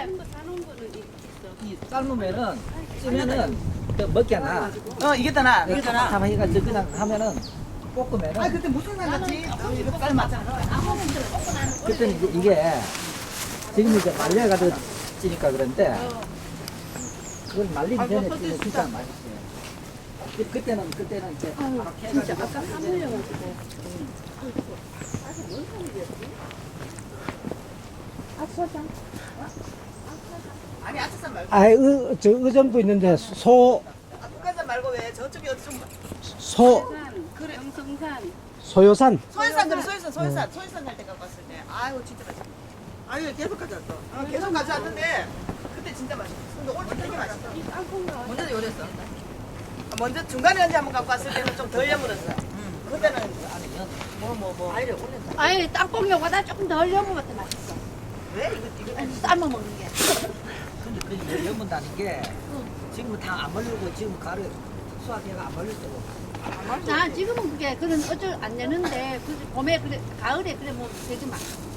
사놓은 거는 있어. 이 삶으면은 찌면은 또 먹겠나? 이겼다나. 참 해가지고 그냥 하면은 볶으면은. 아 그때 무슨 상관지? 이거 삶았잖아. 그때는 이게 지금 이제 말려가지고 찌니까 그런데 그걸 말린 전에 찌면 진짜 맛있어요. 그때는 이제 바로 진짜 캐가지고 아까 사물려가지고. 아차장. 아니 아차산 말고. 아, 저 의정부 있는데 북한산 말고 왜 저쪽에 어디 좀 그래. 영성산. 소요산. 소연산 그래 소연산 갈 때 갖고 왔을 때 아이고 진짜 맛있어. 아니 계속 가져왔어. 계속 가져왔는데 그때 진짜 맛있어. 근데 오늘 되게 맛있어. 먼저 요랬어. 먼저 중간에 언제 한번 갖고 왔을 때는 좀 덜 여물었어. 그때는 뭐. 아니 땅콩요보다 조금 더 얼려먹어도 맛있어. 왜 이거 삶아 먹는 게. 근데 그 연문다는 게 지금은 다 안 말리고 지금 가루 수확해가 안 말릴 때고. 자 지금은 그게 그런 어쩔 안 되는데 그 봄에 그래 가을에 그래 뭐 되게 맛있어.